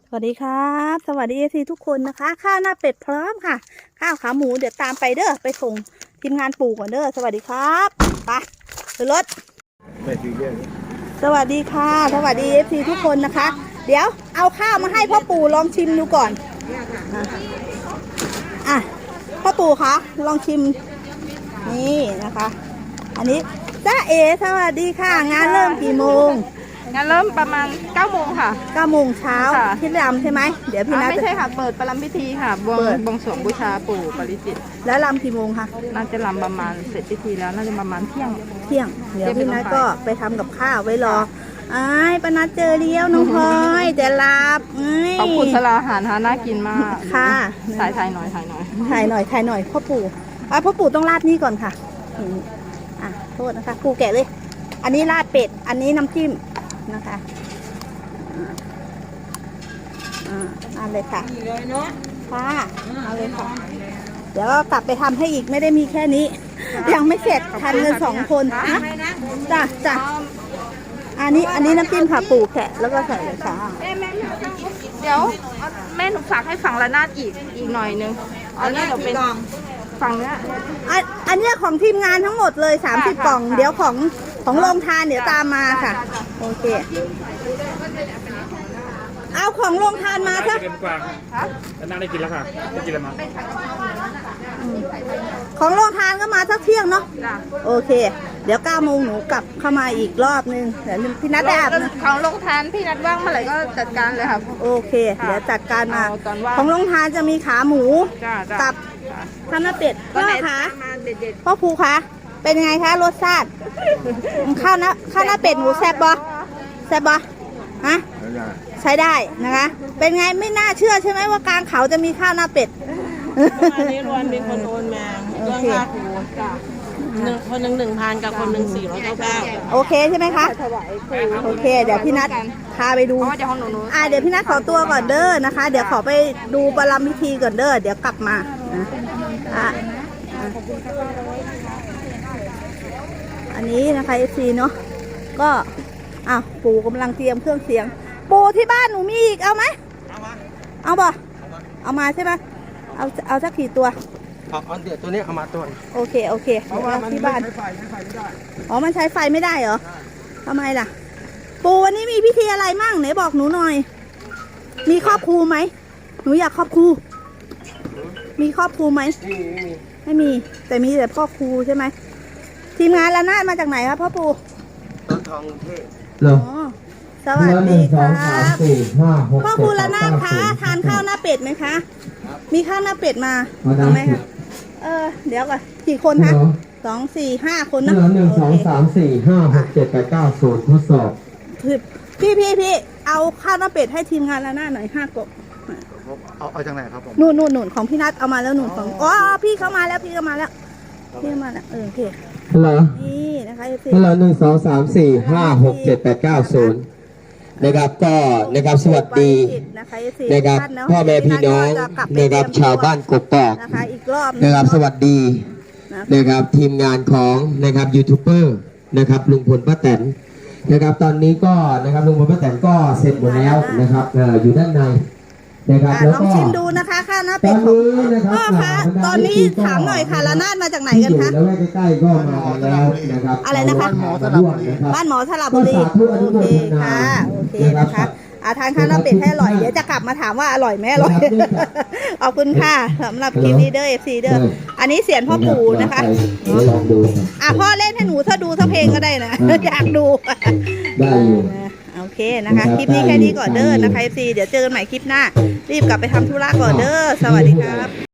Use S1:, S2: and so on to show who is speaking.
S1: สวัสดีครับสวัสดีทุกคนนะคะข้าวหน้าเป็ดพร้อมค่ะข้าวขาหมูเดี๋ยวตามไปเด้อไปส่งทีมงานปู่ก่อนเด้อสวัสดีครับไปขึ้นรถสวัสดีค่ะสวัสดีทุกคนนะคะเดี๋ยวเอาข้าวมาให้พ่อปู่ลองชิมดูก่อนพ่อปู่คะลองชิมนี่นะคะอันนี้จ้าเอสวัสดีค่ะงานเริ่มกี่โมง
S2: งานเริ่มประมาณ9 โมงค่ะ
S1: 9 โมงเช้าที่รำใช่ไหมเดี๋ยวพี่นัท
S2: ไม่ใช่ค่ะเปิดประลัมพิธีค่ะบวงสรวงบูชาปู่ปริจิตร
S1: แล้วรำกี่โมงคะ
S2: น่าจะรำประมาณเสร็จพิธีแล้วน่าจะประมาณเที่ยง
S1: เดี๋ยวพี่นัทก็ไปทำกับข้าวไว้รอป้านัทเจอเลี้ยวน้องพลอยแต่ลาบ
S2: ขอบคุณสลาอาหารน่ากินมาก
S1: ค่ะ
S2: ถ่ายหน่อย
S1: พ่อปู่ต้องราดนี่ก่อนค่ะโทษนะคะปู่แกะเลยอันนี้ราดเป็ดอันนี้น้ำจิ้มนะคะเอาเลยค่ะค่ะเอาเลยค่ะเดี๋ยวกลับไปทำให้อีกไม่ได้มีแค่นี้ยังไม่เสร็จทันเงิน2 คนนะจ้ะอันนี้น้ำจิ้มค่ะปู่แกะแล้วก็ใส่เลยค่ะ
S2: เดี๋ยวแม่หนูฝากให้ฝั่งละนาดอีกหน่อยนึงอันนี้เดี๋ยวเป็นฝั่งเนี้ย
S1: อันนี้ของทีมงานทั้งหมดเลย30 กล่องเดี๋ยวของโรงทานเดี๋ยวตามมาค่ะโอเคเอาของโรงทานมาเถอะ
S3: น่าได้กินแล้วค่ะได้กินแล้วมั้ง
S1: ของโรงทานก็มาสักเที่ยงเนาะโอเคเดี๋ยว9 โมงหนูกลับเข้ามาอีกรอบนึงเดี๋ยวพี่นัทได้อาบนะ
S2: ของโรงทานพี่นัทว่างเมื่อไหร่ก็จัดการเลยค่ะ
S1: โอเคเดี๋ยวจัดการมาของโรงทานจะมีขาหมูกับข้าวหน้าเป็ดพ่อคะพ่อภูคะเป็นยังไงคะรสชาติข้าวหน้าเป็ดหมูแซ่บบ่ฮะใช้ได้นะคะเป็นไงไม่น่าเชื่อใช่ไหมว่ากลางเขาจะมีข้าวหน้าเป็ด
S4: วันนี้รวนมีคนโอนมาเรื่องค่าครูคนหนึ่ง1,000กับคนหนึ่ง499
S1: โอเคใช่ไหมคะโอเคเดี๋ยวพี่นัทพาไปดูเดี๋ยวพี่นัทขอตัวก่อนเด้อนะคะเดี๋ยวขอไปดูประลัมพิธีก่อนเด้อเดี๋ยวกลับมาอันนี้นะคะFCเนาะก็ปู่กำลังเตรียมเครื่องเสียงปู่ที่บ้านหนูมีอีกเอาไหมเอาบ่เอามาใช่ไหมเอาสักกี่ตัว
S4: เอาเดี๋ยวตัวนี้เอามาตัว
S1: โอเคเพราะว่าที่บ้านมันใช้ไฟไม่ได้เหรอทำไมล่ะปู่วันนี้มีพิธีอะไรมั่งไหนบอกหนูหน่อยมีครอบครูไหมหนูอยากครอบครูมีครอบครูไหมไม่มีแต่มีแต่พ่อครูใช่ไหมทีมงานละนาดมาจากไหนครับพ่อปู่
S4: ต้นทองเทพ
S1: สวัสดีครับพ่อครูละนาดคะทานข้าวหน้าเป็ดไหมคะมีข้าวหน้าเป็ดมาเอาไหมคะเดี๋ยวก่อนกี่คนคะ2 4 5 คนนะ
S5: 1 2 3 4 5 6 7 8 9 0ทดสอบ
S1: พี่เอาข้าวหน้าเป็ดให้ทีมงานละนาดหน่อย5 กบ
S4: เอาจากไหนครับผม
S1: นู่นของพี่นัทเอามาแล้วของพี่เข้ามาแล้วโอเค
S5: ฮัลโหล
S1: นี่นะคะ
S5: ฮัลโหล1 2 3 4 5 6 7 8 9 0นะครับก็นะครับสวัสดีนะครับพ่อแม่พี่น้องนะครับชาวบ้านกกอกนะครับสวัสดีนะครับทีมงานของนะครับยูทูบเบอร์นะครับลุงพลป้าแตนนะครับตอนนี้ก็นะครับลุงพลป้าแตนก็เสร็จหมดแล้วนะครับอยู่ด้านในนะครับ
S1: ลองชิมดูนะคะข้าวหน้าเป็ดพ่อคะตอนนี้ถามหน่อยค่ะละนาดมาจากไหนกันคะ
S5: แล้วใกล้ๆก็มาแล้วนะครับ
S1: อะไรนะคะบ้านหมอสระบุรีโอเคนะคะทานข้าวหน้าเป็ดให้อร่อยเดี๋ยวจะกลับมาถามว่าอร่อยไหมอร่อยขอบคุณค่ะสำหรับคลิปนี้เด้อ FC เด้ออันนี้เสียงพ่อปู่นะคะพ่อเล่นให้หนูถ้าดูสักเพลงก็ได้นะอยากดู
S5: ได้
S1: โอเคนะคะคลิปนี้แค่นี้ก่อนเด้อนะคะ FC เดี๋ยวเจอกันใหม่คลิปหน้ารีบกลับไปทำธุระก่อนเด้อสวัสดีครับ